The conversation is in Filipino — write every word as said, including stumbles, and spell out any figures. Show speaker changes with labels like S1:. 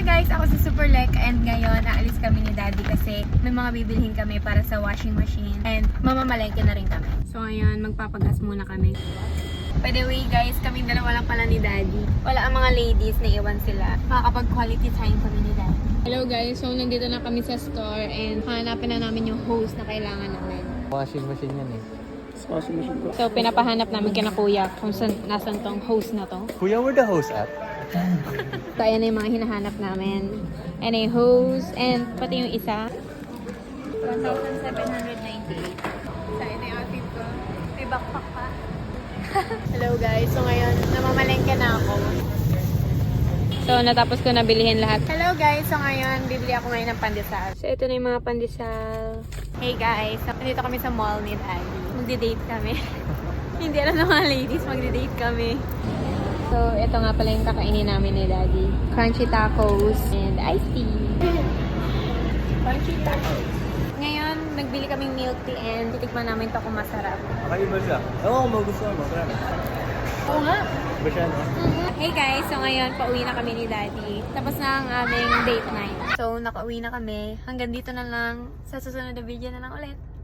S1: guys, ako si Superlek and ngayon aalis kami ni Daddy kasi may mga bibilhin kami para sa washing machine and mamamalengke na rin kami. So ngayon, magpapagas muna kami. By the way guys, kaming dalawa lang pala ni Daddy. Wala ang mga ladies, naiwan sila. Makakapag quality time kami ni Daddy. Hello guys, so nandito na kami sa store and hanapin na namin yung hose na kailangan namin.
S2: Washing machine yan eh.
S3: Washing machine ko.
S1: So pinapahanap namin kina Kuya kung saan, nasan tong hose na to.
S2: Kuya, where the hose at?
S1: So ayan na yung mga hinahanap namin. And a hose and pati yung isa. one thousand seven hundred ninety-eight. So ito yung outfit ko. May backpack pa. Hello guys, so ngayon namamalengke na ako. So natapos ko na bilhin lahat. Hello guys, so ngayon bibili ako ngayon ng pandesal. So ito na yung mga pandesal. Hey guys, so nandito kami sa mall ni Daddy. Magdi-date kami. Hindi alam ng mga ladies, magdi-date kami. So ito nga pala yung kakainin namin ni Daddy. Crunchy tacos and iced tea. Crunchy tacos. Ngayon, nagbili kaming milk tea and titikman namin to kung masarap.
S2: Kakaiba siya. Ewan ko magustuhan mo. Kaya na.
S1: Oo nga.
S2: Iba siya, no?
S1: Hey guys, so ngayon pauwi na kami ni Daddy. Tapos na ang aming date night. So nakauwi na kami. Hanggang dito na lang. Sa susunod na video na lang ulit.